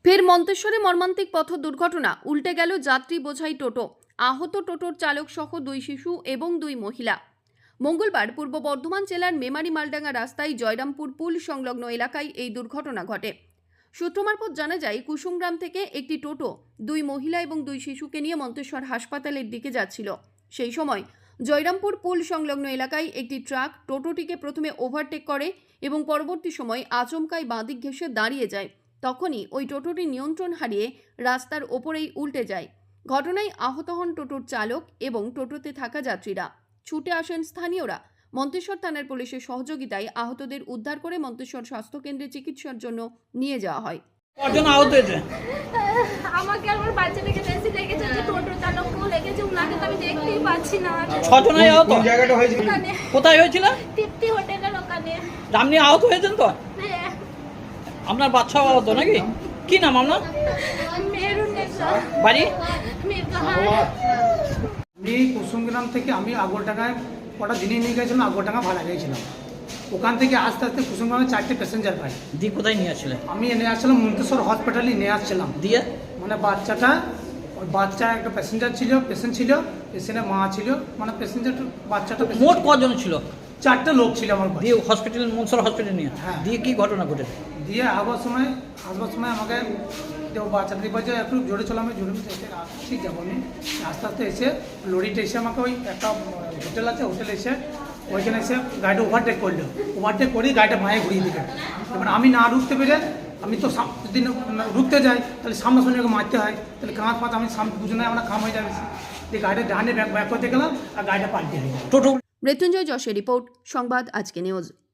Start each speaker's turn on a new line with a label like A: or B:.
A: ফের মন্তেশ্বরে মর্মান্তিক পথ দুর্ঘটনা, উল্টে গেল যাত্রী বোঝাই টোটো, আহত টোটোর চালক সহ 2 শিশু এবং 2 মহিলা। মঙ্গলবার পূর্ব বর্ধমান জেলার মেমারি মালডাঙ্গা রাস্তায় জয়রামপুর পুল সংলগ্ন এলাকায় এই দুর্ঘটনা ঘটে। সূত্র মারফত জানা যায়, কুসুমগ্রাম থেকে একটি টোটো 2 মহিলা এবং 2 শিশুকে নিয়ে মন্তেশ্বর হাসপাতালের দিকে যাচ্ছিল। সেই সময় জয়রামপুর পুল সংলগ্ন এলাকায় একটি ট্রাক টোটোটিকে প্রথমে ওভারটেক করে এবং পরবর্তী সময় আচমকাই বাঁদিক ঘেঁষে দাঁড়িয়ে যায়। তখনই ওই টোটোটি নিয়ন্ত্রণ হারিয়ে রাস্তার ওপরেই উল্টে যায়। ঘটনায় আহত হন টোটোর চালক এবং টোটোতে থাকা যাত্রীরা। ছুটে আসেন স্থানীয়রা। মন্তেশ্বর থানার পুলিশের সহযোগিতায় আহতদের উদ্ধার করে মন্তেশ্বর স্বাস্থ্যকেন্দ্রে চিকিৎসার জন্য নিয়ে যাওয়া হয়।
B: কজন আহত হয়েছে?
C: আমাকে আমার বাচ্চাটাকে বেশি লেগেছে, যে টোটো চালকও লেগেছে, উনাকে তো আমি দেখতেই পাচ্ছি না।
B: 6 জনই আহত।
D: কোন জায়গাটা হয়েছিল?
C: ওখানে
B: কোথায় হয়েছিল?
C: তৃপ্তি হোটেলের ওখানে।
B: আপনি আহত হয়েছেন তো?
C: হ্যাঁ,
B: আপনার বাচ্চাও আহত নাকি? কি নাম আপনার?
C: মেরুন নেশা,
B: বাড়ি?
C: মির্জাহার।
D: আমি কুসুমগ্রাম থেকে আমি আগরডাঙ্গায় কটা দিনে নিয়ে গেছিলাম, আগরডাঙ্গা ভাড়া গিয়েছিলাম। ওখান থেকে আস্তে আস্তে কুসুমগ্রামে 4টে প্যাসেঞ্জার পাই।
B: দিয়ে কোথায় নিয়ে আসছিলেন?
D: আমি এনে আসছিলাম মন্তেশ্বর হসপিটালে নিয়ে আসছিলাম।
B: দিয়ে
D: মানে বাচ্চা একটা প্যাসেঞ্জার ছিল, পেশেন্টের মা ছিল, মানে বাচ্চাটা
B: মোট কজন ছিল?
D: 4টে লোক ছিল আমার বাড়ি।
B: দিয়ে হসপিটাল, মনসর হসপিটাল নিয়ে?
D: হ্যাঁ।
B: দিয়ে কি ঘটনা ঘটেছে?
D: দিয়ে আসবার সময় আমাকে বাচ্চাদের বলছে একটু জোরে চলো, আমি জোরে ঠিক যাবো। আমি আস্তে আস্তে এসে লরিটা এসে আমাকে ওই একটা হোটেল আছে, হোটেলে এসে ওইখানে এসে গাড়িটা ওভারটেক করলো। ওভারটেক করেই গাড়িটা মায়ে ঘুরিয়ে দিল। এবার আমি না রুখতে পেরে, আমি তো যদি রুখতে যাই তাহলে সামনাসামনি ওকে মারতে হয়, তাহলে কাঁচ ফাঁচ আমি সামনে দুজনে আমরা খাম হয়ে যাবে। দিয়ে গাড়িটা ডানে ব্যাক করতে গেলাম আর গাড়িটা পাল্টে হয়ে গেল।
B: টোটো
A: মৃত্যুঞ্জয় যশের রিপোর্ট, সংবাদ আজকে নিউজ।